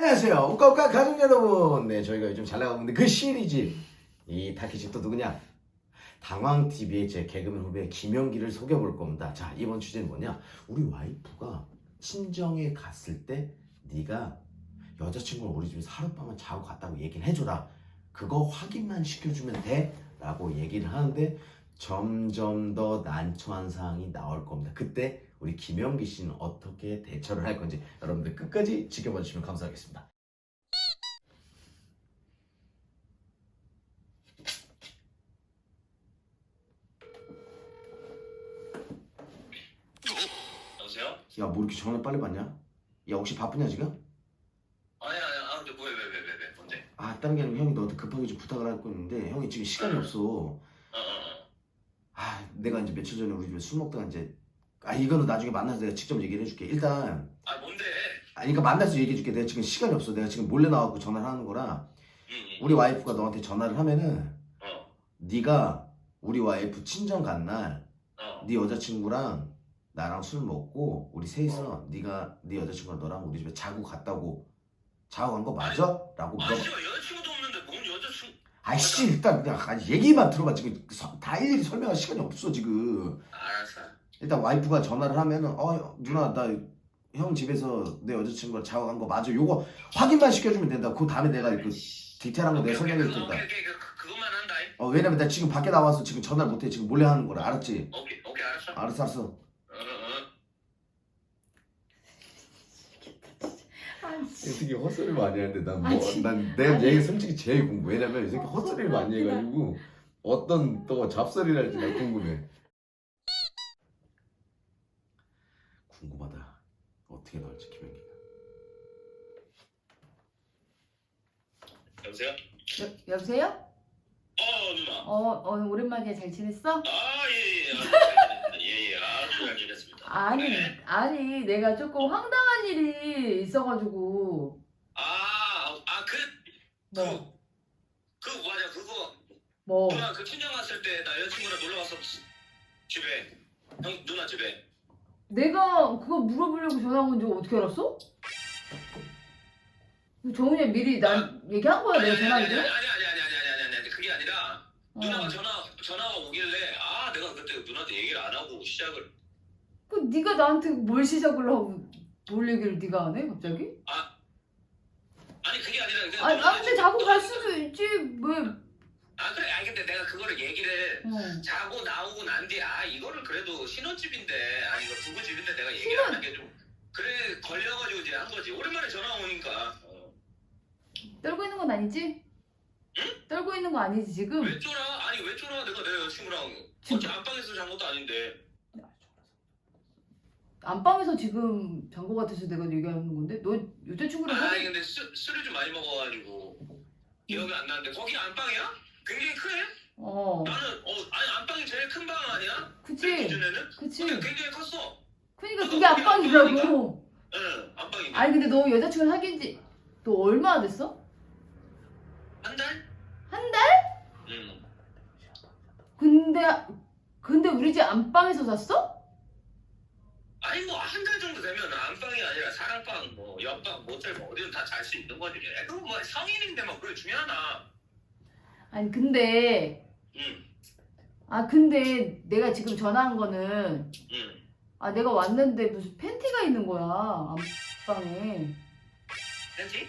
안녕하세요. 우까우까 가족 여러분. 네, 저희가 요즘 잘 나가고 있는 그 시리즈. 이 타키집 또 누구냐? 당황TV의 제 개그맨 후배 김영기를 소개해볼 겁니다. 자, 이번 주제는 뭐냐? 우리 와이프가 친정에 갔을 때 네가 여자친구를 우리 집에서 하룻밤만 자고 갔다고 얘기를 해줘라. 그거 확인만 시켜주면 돼? 라고 얘기를 하는데 점점 더 난처한 상황이 나올 겁니다. 그때 우리 김영기 씨는 어떻게 대처를 할 건지 여러분들 끝까지 지켜봐 주시면 감사하겠습니다. 여보세요? 야, 뭐 이렇게 전화 빨리 받냐? 야, 혹시 바쁘냐 지금? 아니야, 근데 왜, 뭔데? 아, 다른 게 아니고 형이 너한테 급하게 좀 부탁을 할 거 있는데 형이 지금 시간이 없어. 아, 내가 이제 며칠 전에 우리 집에 술 먹다가 이제 이거는 나중에 만나서 내가 직접 얘기를 해줄게. 일단 뭔데? 그러니까 만나서 얘기해줄게. 내가 지금 시간이 없어. 내가 지금 몰래 나와갖고 전화를 하는 거라. 우리 와이프가 너한테 전화를 하면은 네가 우리 와이프 친정 간 날 네 여자친구랑 나랑 술 먹고 우리 셋이서 네가 네 여자친구랑 너랑 우리 집에 자고 갔다고 자고 간 거 맞아? 라고 물어봐. 아니, 여자친구도 없는데 뭔 여자친구? 아이씨, 일단 그냥 얘기만 들어봐. 지금 다 일일이 설명할 시간이 없어 지금. 알았어. 일단 와이프가 전화를 하면은 누나 나 형 집에서 내 여자친구랑 자고 간 거 맞아? 요거 확인만 시켜주면 된다. 그 다음에 내가 그 디테일한 거 내가 설명해 줄 테니까. 그것만 한다. 왜냐면 나 지금 밖에 나와서 지금 전화를 못해. 지금 몰래 하는 거라. 알았지? 오케이, 알았어. 알았어. 이 새끼 헛소리 많이 하는데 난 내가 얘 솔직히 제일 궁금해. 왜냐면 이 새끼 헛소리를 많이 해가지고 어떤 또 잡소리를 할지 난 궁금해. 궁금하다. 어떻게 나올지 김현기가. 여보세요? 여보세요? 누나. 오랜만이야. 잘 지냈어? 예. 아주 잘 지냈습니다. 아니, 내가 조금 황당한 일이 있어가지고. 맞아, 그거. 뭐? 누나 그 친정 갔을 때 나 여자친구랑 놀러 갔어. 집에. 누나 집에. 내가 그거 물어보려고 전화 온 줄 어떻게 알았어? 정훈이 미리 난 얘기한 거야, 내가 전화기를? 아니, 그게 아니라 누나가 전화가 오길래 내가 그때 누나한테 얘기를 안 하고 시작을. 네가 나한테 뭘 시작을 하고 뭘 얘기를 네가 안 해, 갑자기? 아니 그게 아니라 그냥 근데 자고 갈 수도 있지, 왜? 그래. 근데 내가 그거를 얘기를 자고 나오고 난 뒤에 이거를 그래도 신혼집인데 이거 부부집인데 내가 얘기를 안 한 게 좀 그래 걸려가지고 이제 한 거지. 오랜만에 전화 오니까. 떨고 있는 건 아니지? 응? 떨고 있는 거 아니지 지금? 왜 쫄아? 왜 쫄아? 내가 내 여자친구랑 어제 안방에서 잔 것도 아닌데. 안방에서 지금 잔 거 같아서 내가 얘기하는 건데? 너 여자친구랑 근데 술을 좀 많이 먹어가지고 기억이 안 나는데 거기 안방이야? 굉장히 크네? 나는 안방이 제일 큰 방 아니야? 그치? 내 기준에는? 그치? 근데 굉장히 컸어. 그니까 그게 안방이라고. 응, 안방이네. 아니 근데 너 여자친구 사귄 지 너 얼마나 됐어? 한 달? 한 달? 응. 근데 우리 집 안방에서 잤어? 아니 뭐 한 달 정도 되면 안방이 아니라 사랑방, 뭐 옆방, 모텔 뭐 어디든 다 잘 수 있는 거지. 그건 뭐 성인인데 뭐 그게 중요하나? 아니 근데 근데 내가 지금 전화한 거는 내가 왔는데 무슨 팬티가 있는 거야 안방에. 팬티?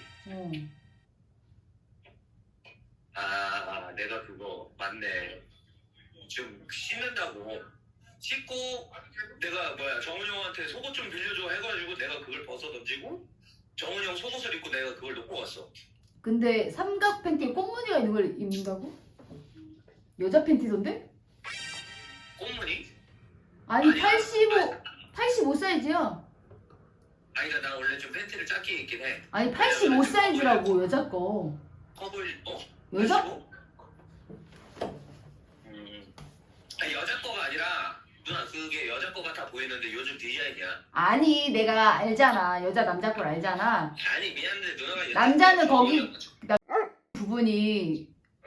내가 그거 맞네. 좀 씻는다고 씻고 내가 정훈이 형한테 속옷 좀 빌려줘 해가지고 내가 그걸 벗어 던지고 정훈이 형 속옷을 입고 내가 그걸 놓고 갔어. 근데 삼각 팬티에 꽃무늬가 있는 걸 입는다고? 여자 팬티던데? 꽃무늬? 아니 85 사이즈야. 그러니까 나 원래 좀 팬티를 작게 입긴 해. 아니 85 사이즈라고 여자 거. 커보일 여자? 85? 여자 거가 아니라 누나 그게 여자 거 같아 보이는데 요즘 디자인이야. 아니 내가 알잖아. 여자 남자 걸 알잖아. 아니 미안한데 누나가 남자는 거기 부분이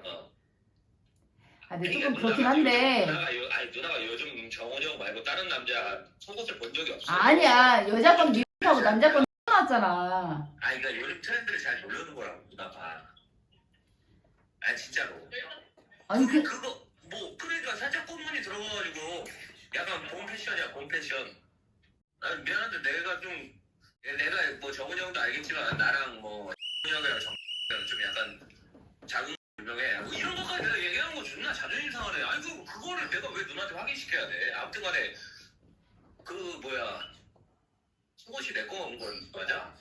근데 그러니까 조금 그렇긴 한데 누나가 요즘 정훈이 형 말고 다른 남자 속옷을 본 적이 없어. 아니야. 여자 건 미하고 남자 건 하나 나왔잖아. 아니 그러니까 요즘 트렌드를 잘 모르는 거라고 누나가. 아니 진짜로. 아니 그거 뭐 그러니까 살짝 꽃무늬 들어가가지고 약간 봄 패션이야 봄 패션. 아 미안한데 내가 뭐 정훈이 형도 알겠지만 나랑 뭐 정훈이 형이랑 정훈이랑 좀 약간 작은 유명해. 뭐 이런 것까지 내가 얘기하는 거 존나 자존심 상하네. 아니 그거를 내가 왜 누나한테 확인시켜야 돼? 아무튼간에 그 뭐야 속옷이 내 거 온 건 맞아?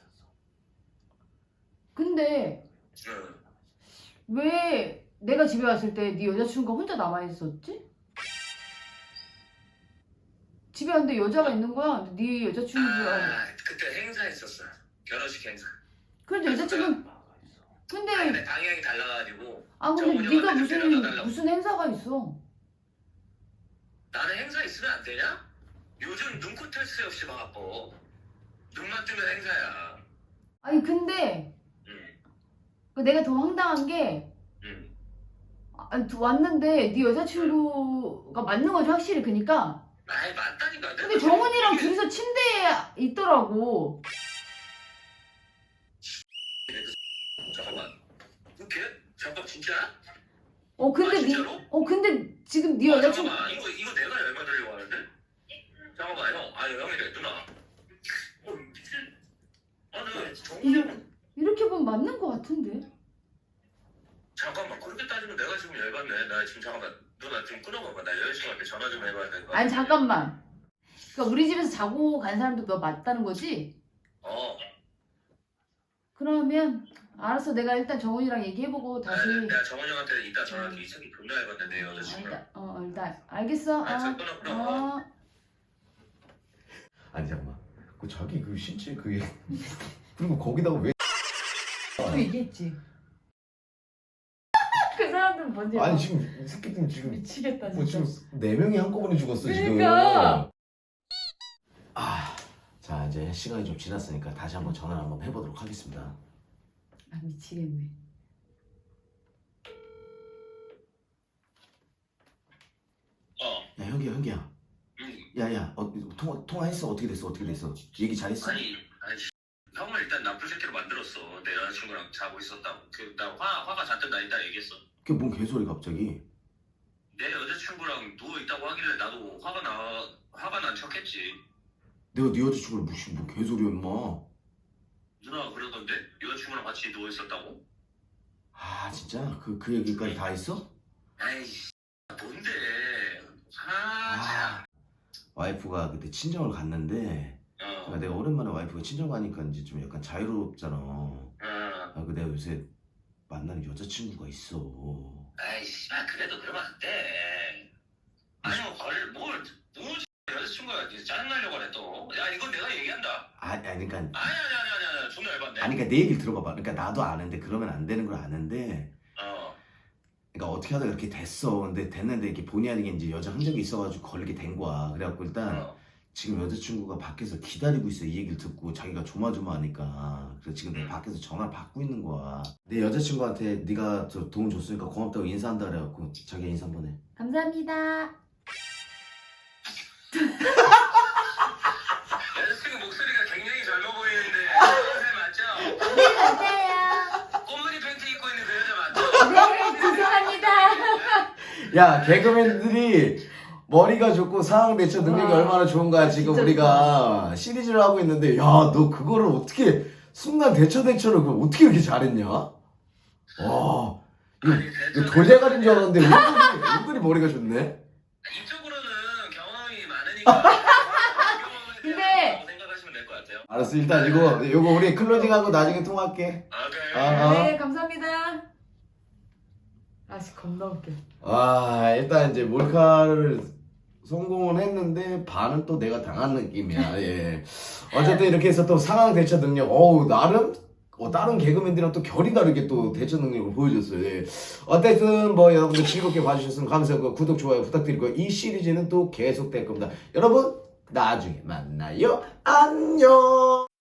근데 응. 왜 내가 집에 왔을 때 네 여자친구가 혼자 남아있었지? 집에 왔는데 여자가 있는 거야. 네 여자친구가. 아 그때 행사했었어. 결혼식 행사. 그런데 여자친구. 근데 근데 방향이 달라가지고. 아 근데 정훈이 네가 형한테 데려다 달라고. 무슨 행사가 있어? 나는 행사 있으면 안 되냐? 요즘 눈코 뜰 새 없이 바빠. 눈만 뜨면 행사야. 아니 근데 응. 그 내가 더 황당한 게 응. 아니, 왔는데 네 여자친구가 맞는 거지 확실히. 그니까. 아이 맞다니까. 근데 정훈이랑 둘이서 침대에 있더라고. 잠깐만. 그게? 잠깐 진짜? 근데 아, 진짜로? 근데 지금 네 여자친구. 잠깐만 이거 내가 열받으려고 하는데? 잠깐만 형. 아니 형이래 누나. 미친. 아니 정훈이 형. 이렇게 보면 맞는 거 같은데. 잠깐만 그렇게 따지면 내가 지금 열받네. 나 지금 잠깐만 누나 좀 끊어봐봐. 나 여자친구한테 전화 좀 해봐야 될 것 같아. 아니 잠깐만. 그러니까 우리 집에서 자고 간 사람도 너 맞다는 거지? 어. 그러면 알았어. 내가 일단 정훈이랑 얘기해보고 다시. 내가 정원 형한테 이따 전화할게. 이 새끼 존나 해봤네 내 여자친구랑. 일단 알겠어. 알았어, 끊어. 아니 잠깐만. 그 자기 그 신체 그 그리고 거기다가 왜? 또 얘기했지. 그 사람들은 뭔지 아니 알아? 지금 이 새끼들 지금 미치겠다 뭐 진짜. 지금 4명이 한꺼번에 죽었어 지금. 그러니까. 자 이제 시간이 좀 지났으니까 다시 한번 전화를 한번 해보도록 하겠습니다. 아 미치겠네. 야 현기야. 응. 야야 통화했어? 어떻게 됐어? 얘기 잘했어? 아니 형을 일단 나쁜 새끼로 만들었어. 내 여자친구랑 자고 있었다고. 나 화가 잔뜩 나 있다 얘기했어. 그게 뭔 개소리 갑자기? 내 여자친구랑 누워 있다고 하길래 나도 화가 난 척했지. 내가 네 여자친구를 무슨 뭐 개소리야 임마. 누나가 그러던데 여자친구랑 같이 누워 있었다고? 아 진짜? 그 얘기까지 다 했어? 아이씨 뭔데? 와이프가 그때 친정을 갔는데 그러니까 내가 오랜만에 와이프가 친정 가니까 이제 좀 약간 자유롭잖아. 그 내가 요새 만나는 여자친구가 있어. 아이씨 그래도 그러면 안 돼. 아니 뭘 여자친구가 짜증나려고 그래 또. 야 이건 내가 얘기한다. 그러니까 아니 존나 열받네. 그러니까 내 얘기를 들어봐봐. 그러니까 나도 아는데 그러면 안 되는 걸 아는데. 그러니까 어떻게 하다가 이렇게 됐어. 근데 됐는데 이렇게 본의 아니게 이제 여자 흔적이 있어가지고 걸리게 된 거야. 그래갖고 일단 지금 여자친구가 밖에서 기다리고 있어. 이 얘기를 듣고 자기가 조마조마하니까. 그래서 지금 내가 밖에서 전화를 받고 있는 거야. 내 여자친구한테 네가 저 도움 줬으니까 고맙다고 인사한다 그래갖고 자기가 인사 한번 해. 감사합니다. 여자친구 목소리가 굉장히 젊어 보이는데 그 맞죠? 네 맞아요. 꽃무늬 팬티 입고 있는 그 여자 맞죠? 네 죄송합니다. 야 개그맨들이 머리가 좋고 상황 대처 능력이 와, 얼마나 좋은 거야. 지금 진짜 우리가 시리즈를 하고 있는데 야 너 그거를 어떻게 순간 대처를 그걸 어떻게 이렇게 잘했냐? 와 이거 돌대가리인 줄 알았는데 은근히 머리가 좋네. 이쪽으로는 경험이 많으니까 근데- 생각하시면 될 것 같아요. 알았어 일단 이거 우리 클로징하고 나중에 통화할게. 오케이. 네 감사합니다. 아씨 겁나 웃겨. 일단 이제 몰카를 성공은 했는데 반은 또 내가 당한 느낌이야. 예. 어쨌든 이렇게 해서 또 상황 대처 능력 나름 다른 개그맨들이랑 또 결이 다르게 또 대처 능력을 보여줬어요. 예. 어쨌든 뭐 여러분들 즐겁게 봐주셨으면 감사하고 구독 좋아요 부탁드리고 이 시리즈는 또 계속될 겁니다. 여러분 나중에 만나요. 안녕.